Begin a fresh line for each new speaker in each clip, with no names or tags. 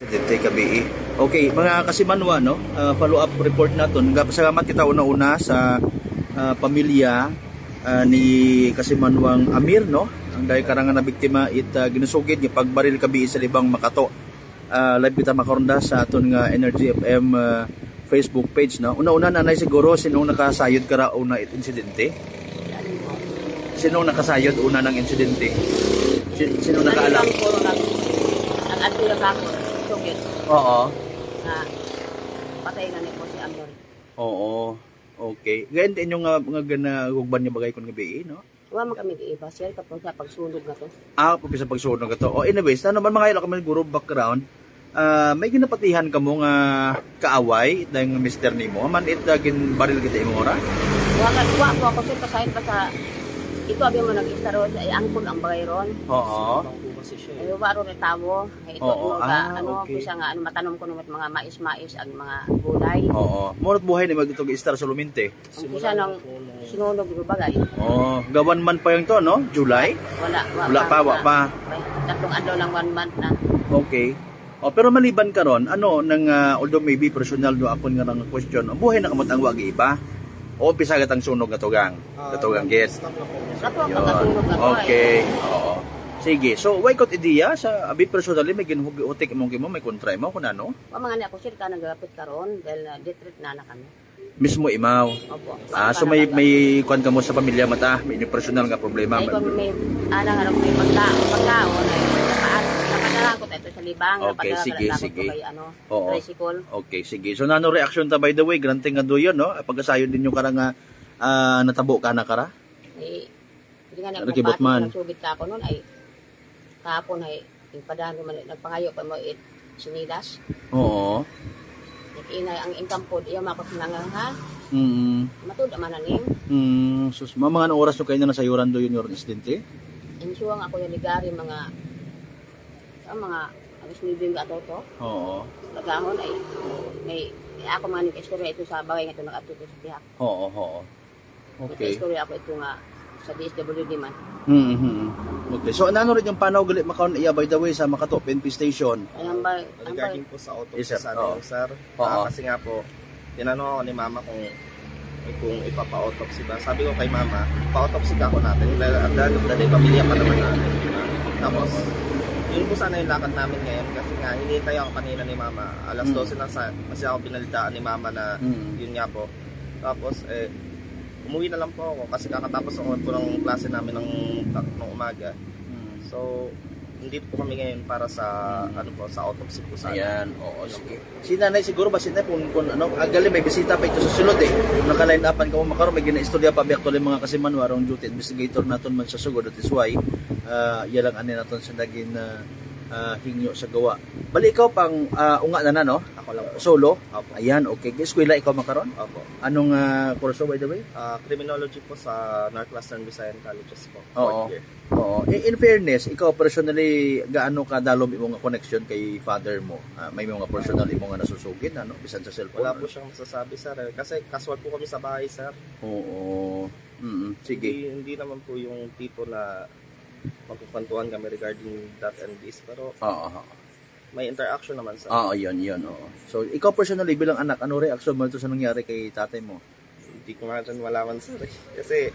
Dente Kabii. Okay, mga kasimanwa, no? Follow-up report naton. Salamat kita una-una sa pamilya ni Kasimanwang Amir, no? Ang dahil karangan na biktima ginusugid ni pagbaril Kabii sa Libang Makato. Live kita makaronda sa aton nga Energy FM Facebook page, no? Una-una nanay siguro sinong nakasayod kara una insidente? Sinong nakasayod una ng insidente? Sinong nakaalam?
Nag-adto na ako. Sugid.
Oo.
Na patay na ni po si Amor.
Oo. Okay. Ganyan din yung mga ganagugban niya bagay kung gabi, no?
Wa man kami giiba sir kapag sa pagsunog na to.
Papi sa pagsunog ka to. Anyways, na naman mga ilo kami guro background. May ginapatihan ka mo nga kaaway dahil nga mister nimo. Man gin baril kita imo ora?
Wa po ako sir kasayad pa sa ito abi mo nag-istaro ay angkol ang bagay ron.
Oo.
Ay waro ni tamo. Ay ito
Oo.
okay.
Okay.
Kusa nga matanom ko numat mga mais-mais ang mga gulay.
Oo. Munot buhay ni magitog istar sa Luminte.
Ang kusa nang sinunog yung bagay.
Oo. Gawan man pa yung to, no? July? Wala pa.
Tatlong adlaw lang 1 month na.
Okay. Pero maliban karon, ano nang although maybe personal do ako nga nang question, ang buhay na kamot ang wagi iba? O pisagat ang sunog nga tugang? Katugang git.
Kato ang pagkasunog na to.
Okay. Oo. Sige. So, why kot ideya sa abi personally may ginuhutik imong kimo may kontra mo kun ano?
Wa mga ni ako sir ka naglapit karon dahil na detreat na kami.
Mismo imaw.
Opo.
So may kwan ka mo sa pamilya mata, may personal nga problema.
Ay kung may alang may pagkaon ay napadala ko ito sa libang.
Okay, sige.
Kay,
Oo.
tricycle.
Okay, sige. So nano reaction ta by the way, granting nga doyon, no? Pagkasayon din yung karang natabo ka na kara?
Ay, hindi nga na
Nakibot man.
nagsugit ka ako noon ay kahapon ay ipadaan man nagpangayo pa mo sinilas.
Oo.
Inay ang income po iya makot nangang ha. Matud man aning.
Sus, mga oras so kayo na nasayuran doyon yung insidente?
Insuwang ako yung ligari mga alas 9 nga ato to.
Oo.
Nagahon ay may ako man ning istorya ito sa bagay nga ito nakatuto sa tihak.
Oo. Okay.
Istorya ako ito nga sa DSWD man.
Okay. So ano rin yung panaw gali makaon iya by the way sa Makato PNP station?
Ang bay
Regarding po sa autopsy
Yes, sir.
sa
Oo.
amin, sir.
Oo.
Kasi nga po, tinanong ako ni mama kung ipapa-autopsy ba. Sabi ko kay mama, pa-autopsy ka ako natin. Dahil pamilya pa naman natin. Tapos, yun po sana yung lakad namin ngayon. Kasi nga, hinihintay ako kanina ni mama. Alas 12 na kasi ako pinalitaan ni mama na yun nga po. Tapos, umuwi na lang po ako kasi kakatapos ako po ng klase namin ng umaga. So, hindi po kami ngayon para sa sa autopsy po sana.
Ayan, oo, sige. Si nanay siguro ba sinay kung agali may bisita pa ito sa sulod naka-line upan ka mo makaroon may ginaistorya pa biyak tuloy mga kasimanwa arong duty investigator naton man sa sugod that is why yalang ani naton sa naging hingyo sa gawa. Bali ikaw pang unga na no?
Ako lang po.
Solo?
Opo.
Ayan, okay. Eskwela ikaw makaroon?
Opo.
Anong kurso by the way?
Criminology po sa Northwestern Visayan Colleges po.
Oo.
4th year.
Oo. In fairness, ikaw personally gaano ka dalom imong connection kay father mo? May mga personal imong nga nasusugid ano bisan sa cellphone?
Wala po siyang masasabi, sir. Kasi casual po kami sa bahay, sir.
Oo. Sige.
Hindi naman po yung tipo na magkukwentuhan kami regarding that and this. Pero
Oo.
may interaction naman, sir.
Oo, yun. Oo. So, ikaw personally bilang anak, ano reaction mo ito sa nangyari kay tatay mo?
Hindi ko nga rin malaman, sir. Kasi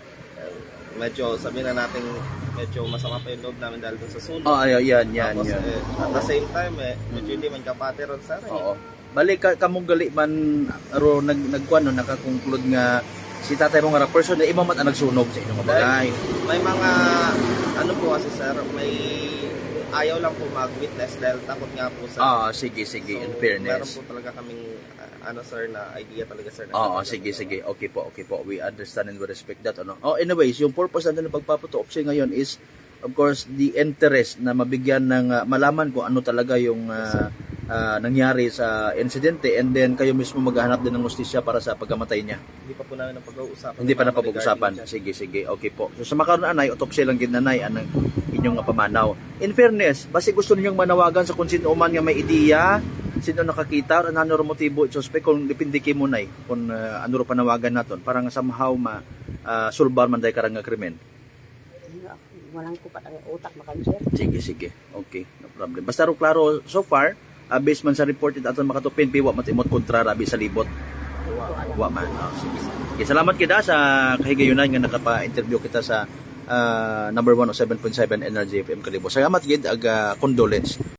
medyo, sabi na natin, medyo masama pa yung loob namin dahil dun sa sunog.
Yan.
Tapos, at the same time, medyo hindi man kapate ron, sir.
Oo. Balik kamong gali man aro nagkuan no nakakonclude nga si tatay mo nga person na imamat ang nagsunog sa inyong bagay.
May mga ano po kasi, sir, may ayaw lang po mag-witness dahil takot nga po, sir.
Sige,
So,
in fairness.
meron po talaga kaming sir, na idea talaga, sir.
Sige. Okay po. We understand and we respect that ano. Anyways, yung purpose natin ng pagpapautopsy ngayon is of course the interest na mabigyan ng malaman kung ano talaga yung nangyari sa insidente and then kayo mismo maghahanap din ng hustisya para sa pagkamatay niya.
Hindi pa po namin napag-uusapan.
Hindi pa napag-uusapan. Sige. Okay po. So sa makaroon anay, autopsy lang gid nanay ang inyong pamanaw. In fairness, basi gusto ninyong manawagan sa kung sino man nga may ideya, sino nakakita or ano ro motibo suspect kung dipindiki mo nay kung ano ro panawagan naton para nga somehow sulbar man day karang nga krimen.
Walang kupat ang utak makan sir.
Sige. Okay, no problem. Basta ro klaro so far based man sa report aton makatupin piwa matimot kontra rabi sa libot. Wa man. Oh, sige. Okay, salamat kita sa kahigayunan nga nakapa-interview kita sa number 107.7 NRJ FM Kalibo. Salamat gid ag condolence.